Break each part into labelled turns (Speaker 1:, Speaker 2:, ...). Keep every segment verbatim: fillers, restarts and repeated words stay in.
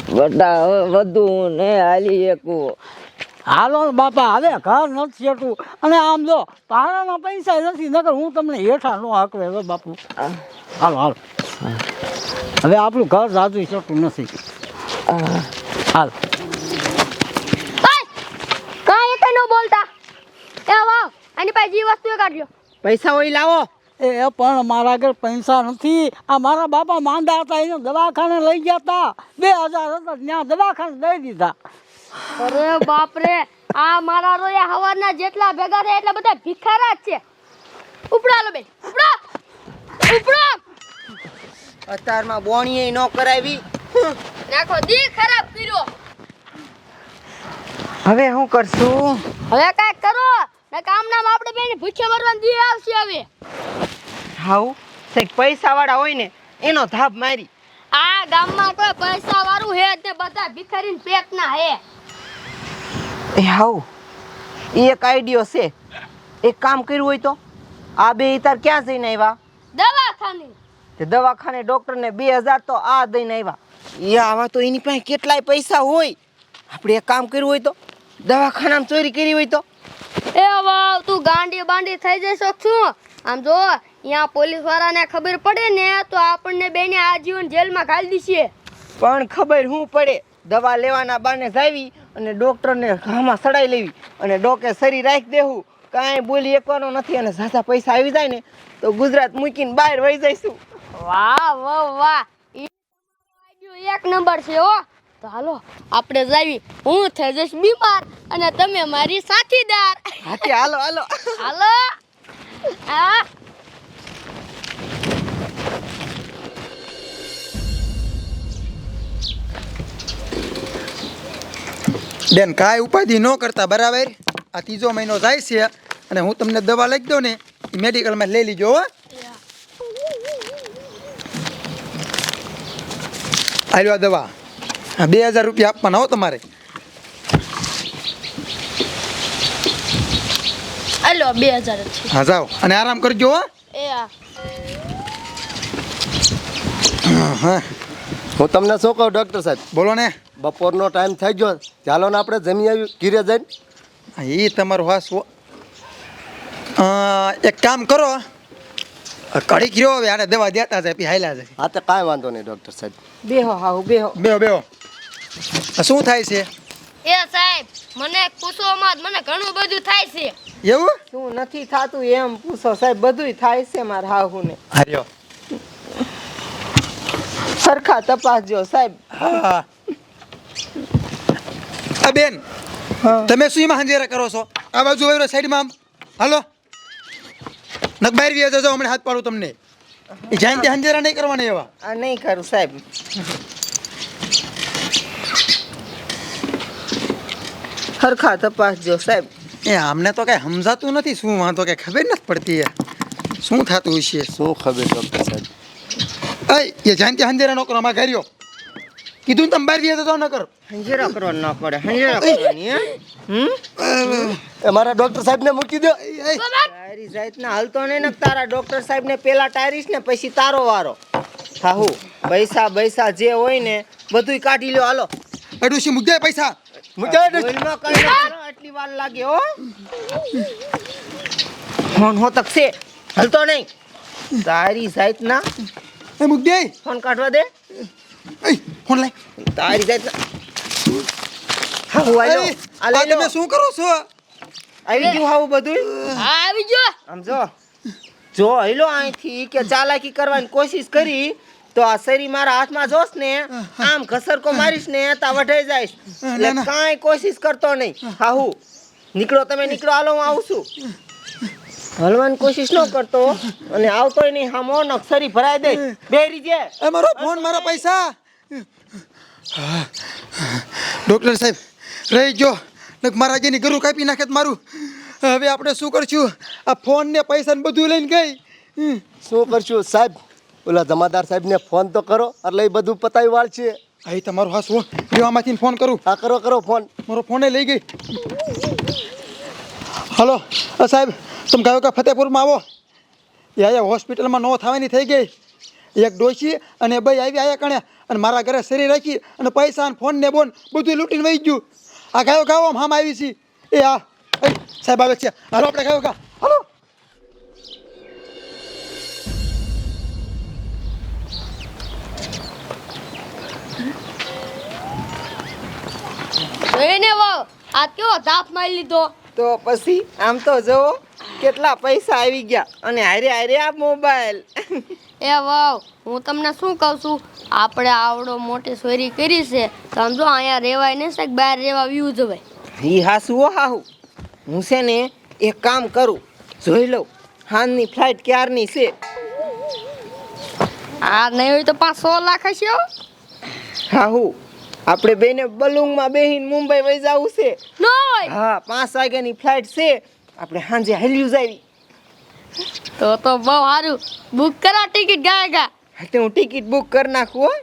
Speaker 1: બટા હવે વધુ ને હાલી એકું.
Speaker 2: હાલો ને બાપા, હવે ઘર નથી છેટું અને આમ જો ભાડાના પૈસા નથી, નકર હું તમને હેઠા નો હાકવે. હવે બાપુ હાલો હાલો, હવે આપણું ઘર જાજુ છેટું નથી. હાલ
Speaker 3: કાંઈ એક ન બોલતા. એ વાવ, આની પાસે જે વસ્તુ એ કાઢ્યો.
Speaker 1: પૈસા હોય લાવો.
Speaker 2: એ પણ મારા આગળ પૈસા નથી. આ મારા બાપા માંદા હતા, એને દવાખાને લઈ ગયા હતા. બે હજાર હતા, ત્યાં દવાખાને દઈ દીધા.
Speaker 3: અરે બાપ રે, આ મારા રોયા હવારના જેટલા ભેગા થયા એટલા બધા ભિખારા જ છે. ઉપડા લો બેન, ઉપડા ઉપડા.
Speaker 1: અત્યારમાં બોણીએ ન કરાવી.
Speaker 3: નાખો દી ખરાબ કર્યો.
Speaker 1: હવે શું કરશું?
Speaker 3: હવે કાંઈક કરો ને કામ નામ આપણે બેન ભૂખ્યા મરવાનું દી આવશે. હવે
Speaker 1: હાઉ સાહેબ પૈસા વાળા હોય ને એનો ધાપ મારી.
Speaker 3: આ ગામમાં કોઈ પૈસા વાળું હે તે બધા ભિખારીને પેટના હે.
Speaker 1: એ હાઉ એક આઈડિયો છે. એક કામ કર્યું હોય તો આ બે તાર ક્યાં જઈને આવ્યા?
Speaker 3: દવાખાને.
Speaker 1: તે દવાખાને ડોક્ટરને બે હજાર તો આ દઈને આવ્યા. એ આવા તો એની પાસે કેટલાય પૈસા હોય. આપણે એક કામ કર્યું હોય તો દવાખાનામાં ચોરી કરી હોય તો.
Speaker 3: એ વાવ, તું ગાંડી બાંડી થઈ જઈશ છું. આમ જો અહીંયા પોલીસ વાળાને ખબર પડે ને તો આપણને બેને આજીવન જેલમાં ઘાલી દીશે.
Speaker 1: પણ ખબર શું પડે? દવા લેવાના બાને જાવી અને ડોક્ટરને ઘામાં સડાઈ લેવી અને ડોકે સરી રાખી દેવું. કાંઈ બોલી એકવાનો નથી અને ઝાઝા પૈસા આવી જાય ને તો ગુજરાત મૂકીને બહાર વહી જઈશું.
Speaker 3: વાહ વાહ વાહ, ઈ આઈડિયો એક નંબર છે હો. તો હાલો આપણે જાવી. હું થઈ જઈશ બીમાર અને તમે મારી સાથીદાર.
Speaker 1: હાથી હાલો હાલો
Speaker 3: હાલો. આ
Speaker 4: બેન કાંઈ ઉપાધિ ન કરતા, બરાબર? આ ત્રીજો મહિનો જાય છે અને હું તમને દવા લખી દઉં ને એ મેડિકલમાં લઈ લીજો. હો હાલો આ દવા. હા, બે હજાર રૂપિયા આપવાના હો તમારે.
Speaker 3: હાલો બે હજાર જ છે.
Speaker 4: હા જાઓ અને આરામ કરજો. હો
Speaker 3: એ આ
Speaker 4: હા
Speaker 5: હું તમને શું કહું ડૉક્ટર સાહેબ,
Speaker 4: બોલો ને.
Speaker 5: બપોરનો ટાઈમ થઈ ગયો, ચાલો ને આપણે જમી આવી ઘીરે જઈને.
Speaker 4: હા, એ તમારું હાસ. એક કામ કરો, કડી ગયો હવે આને દવા દેતા જાય પછી હાલ્યા જાય.
Speaker 5: હા તો કાંઈ વાંધો નહીં ડૉક્ટર સાહેબ.
Speaker 1: બેહો હાઉ બેહો.
Speaker 4: બેહો બેહો. આ શું થાય છે?
Speaker 3: એ સાહેબ, મને પૂછો મત, મને ઘણું બધું થાય છે.
Speaker 4: એવું?
Speaker 1: શું નથી થાતું એમ પૂછો સાહેબ. બધુંય થાય છે મારા હાહુને.
Speaker 4: હાર્યો.
Speaker 1: સરખા તપાસજો સાહેબ.
Speaker 4: હા. આ બેન તમે શું એમાં હંજેરા કરો છો? આ બાજુ વયો સાઈડમાં આમ હાલો. નક બહાર વ્યા જજો, હમણાં હાથ પાડું તમને. એ જાણ તે હંજેરા નહીં કરવાના એવા.
Speaker 1: આ નહીં કરું સાહેબ. સરખા તપાસજો સાહેબ.
Speaker 4: એ આમને તો કઈ સમજાતું નથી. શું વાંધો કઈ ખબર નથી પડતી. શું થતું છે?
Speaker 5: શું ખબર ડૉક્ટર સાહેબ?
Speaker 4: એ જાણ તે હંજેરા ન કરો. અમારે ઘર્યો કીધું ને તમે બહાર વ્યા જતો ન કરો.
Speaker 1: હંજેરા કરવા ન પડે. હંજેરા કરવાની હે? હમ
Speaker 5: એ મારા ડૉક્ટર સાહેબને મૂકી દો.
Speaker 1: તારી જાતના હાલતો નહીં ને તારા ડોક્ટર સાહેબને પેલા ટાયરીશ ને પછી તારો વારો. હાહુ પૈસા પૈસા જે હોય ને બધુંય કાઢી લ્યો. હાલો
Speaker 4: અડુસી મુદ્દે પૈસા
Speaker 5: મૂકી દો.
Speaker 1: બોલમાં કઈ ન કરો, આટલી વાર લાગે હો. ફોન હો તક છે હાલતો નહીં. તારી જાતના
Speaker 4: એ મુદ્દે
Speaker 1: ફોન કાઢવા દે.
Speaker 4: એ ફોન લાય.
Speaker 1: તારી જાતના હાહુ આયો. આ
Speaker 4: આ
Speaker 1: લઈ લો.
Speaker 4: તમે શું કરો છો?
Speaker 1: આવી ગયું હાવું બધુંય?
Speaker 3: હા આવી ગયો.
Speaker 1: આમ જો જો હેલો અહીંથી કે ચાલાકી કરવાની કોશિશ કરી તો આ શરી મારા હાથમાં જોશ ને આમ ઘસરકો મારીશ ને તા વઢાઈ જાઈશ. એટલે કાંઈ કોશિશ કરતો નહીં. હાહુ નીકળો, તમે નીકળો. હાલો હું આવું છું. હલવાની કોશિશ ન કરતો અને આવતોય નહીં. હામો નક્ષરી ભરાઈ દે. બેરી જે
Speaker 4: એ મારો ફોન, મારા પૈસા. ડોક્ટર સાહેબ રહી ગયો. નક મારા જેની ગરું કાપી નાખે તો મારું. હવે આપણે શું કરશું? આ ફોન ને પૈસા ને બધું લઈને ગઈ.
Speaker 5: શું કરશું સાહેબ? ઓલા જમાદાર સાહેબને ફોન તો કરો એટલે એ બધું પતાવી વાળ છે.
Speaker 4: અહીં તમારો હાસ હો. આમાંથી ફોન કરું.
Speaker 5: હા કરો કરો ફોન.
Speaker 4: મારો ફોને લઈ ગઈ. હલો સાહેબ, તમે કહ્યું કે ફતેપુરમાં આવો. એ અહીંયા હોસ્પિટલમાં નો થવાની થઈ ગઈ. એક ડોશી અને ભાઈ આવી આયા કણે અને મારા ઘરે શરીર રાખી અને પૈસા અને ફોન ને બોન બધું લૂંટીને વહી ગયું. આ ગાયો ગાવો આમ આવી છે એ આ એ, સાહેબ આવે છે, હાલો આપણે ગાયો ગા હાલો.
Speaker 3: એને વાવ આ કેવો ધાપ મારી લીધો.
Speaker 1: તો પછી આમ તો જુઓ કેટલા પૈસા આવી ગયા અને હારે હારે આ મોબાઈલ.
Speaker 3: એ વાવ હું તમને શું કહું છું, આપણે આવડો મોટી ચોરી કરી છે સમજો, અહીંયા રહેવાય નહીં સાહેબ, બહાર રહેવા વ્યૂ જવાય.
Speaker 1: ઈ હાસુ હો હાહુ. હું છે ને એક કામ કરું, જોઈ લઉં હાનની ફ્લાઇટ ક્યારની છે.
Speaker 3: આ નહીં હોય તો પાંચ સો લાખ હશે હો.
Speaker 1: હાહુ આપણે બેને બલુંગમાં બેહીને મુંબઈ વહી જવું છે.
Speaker 3: ન હોય
Speaker 1: હા પાંચ વાગ્યાની ફ્લાઇટ છે, આપણે સાંજે હલ્યું જાવી.
Speaker 3: તો તો બહુ સારું, બુક કરા ટિકિટ ગયા ગયા.
Speaker 1: હા તો હું ટિકિટ બુક કરી નાખું હો.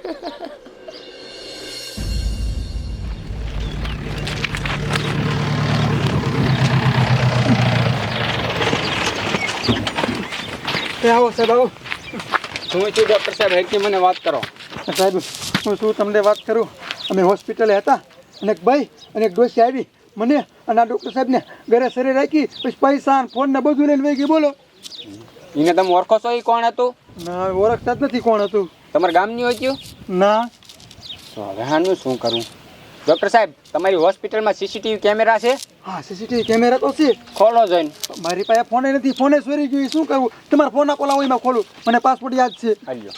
Speaker 4: એ આવો સાહેબ આવો.
Speaker 6: હું છું ડૉક્ટર સાહેબ, હેડકી મને વાત કરો.
Speaker 4: સાહેબ હું શું તમને વાત કરું, અમે હોસ્પિટલે હતા અને એક ભાઈ અને એક ડોસી આવી મને અને આ ડૉક્ટર સાહેબને ઘરે શરીર રાખી પછી પૈસા અને ફોન ને બધું લઈને વહી ગઈ. બોલો.
Speaker 6: એને તમે ઓળખો છો એ કોણ હતું?
Speaker 4: ના ઓળખતા જ નથી કોણ હતું.
Speaker 6: તમારા ગામની હોય ગયું?
Speaker 4: ના.
Speaker 6: તો હવે આનું શું કરું? ડૉક્ટર સાહેબ તમારી હોસ્પિટલમાં સીસીટીવી કેમેરા છે?
Speaker 4: હા સીસીટીવી કેમેરા તો છે.
Speaker 6: ખોલો જોઈને.
Speaker 4: મારી પાસે ફોને નથી, ફોને ચોરી ગયું. શું કરવું? તમારા ફોન આપો, લાવો એમાં ખોલું. મને પાસપોર્ટ યાદ છે.
Speaker 6: હાલ્યો.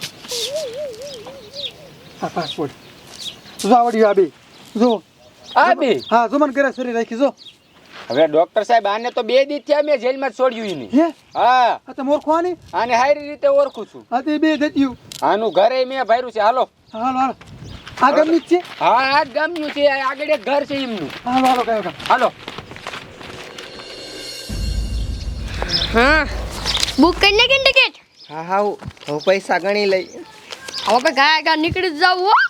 Speaker 4: હા પાસપોર્ટ જો આવડ્યું આ બે જો.
Speaker 6: આ બે?
Speaker 4: હા જો મને ઘરે ચોરી રાખી જો.
Speaker 6: હવે ડૉક્ટર સાહેબ આને તો બે દી થયા મેં જેલમાં જ છોડ્યું ઈ નહીં.
Speaker 4: હે
Speaker 6: હા
Speaker 4: આ તમે ઓળખવાની?
Speaker 6: આને સારી રીતે ઓળખું છું.
Speaker 4: હા તે બે જત્યું.
Speaker 6: આનું ઘરે મેં ભર્યું છે. હાલો.
Speaker 4: હાલો હાલો આ ગામની જ છે.
Speaker 6: હા આ જ ગામનું છે, આ આગળ એક ઘર છે એમનું.
Speaker 4: હાલો હાલો કયો કામ.
Speaker 6: હાલો.
Speaker 3: હા બુક કરી નાખી ને ટિકિટ.
Speaker 1: હા હા હવે પૈસા ગણી લઈ.
Speaker 3: હવે ગયા ગયા નીકળી જ જાવ હો.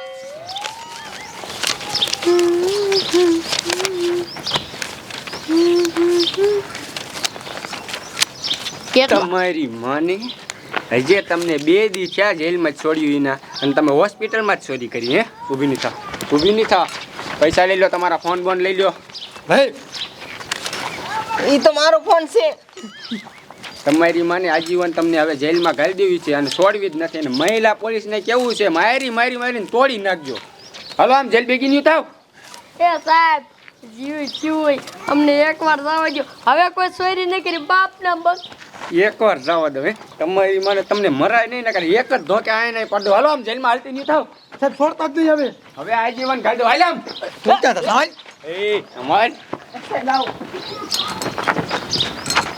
Speaker 3: કેટલા
Speaker 6: તમારી માને હજે તમને બે દી થયા જેલમાં જ છોડ્યું એના અને તમે હોસ્પિટલમાં જ ચોરી કરી. હે ઊભી નહીં થા, ઊભી નહીં થા. પૈસા લઈ લો, તમારા ફોન બોન લઈ લો.
Speaker 4: ભાઈ
Speaker 1: ઈ તો મારો ફોન છે.
Speaker 6: તમારી માને આજીવન તમને હવે જેલમાં ઘાલી દેવી છે અને છોડવી જ નથી. અને મહિલા પોલીસને કેવું છે, મારી મારી મારીને તોડી નાખજો. હાલો આમ જેલ ભેગી નહીં થાવ.
Speaker 3: એ સાહેબ જીવ જીવ અમને એકવાર જવા દો, હવે કોઈ ચોરી નહીં કરી બાપના બસ.
Speaker 6: એકવાર જવા દો. હે તમારી માને તમને મરાય નહીં ને કરે એક જ ધોકે આય નહીં પડો. હાલો આમ જેલમાં હાલતી નહીં થાવ.
Speaker 4: સાહેબ છોડતા જ નહીં હવે.
Speaker 6: હવે આજીવન ઘાલી દો. હાલ આમ.
Speaker 4: છોડતા હતા સાહેબ.
Speaker 6: એ અમાર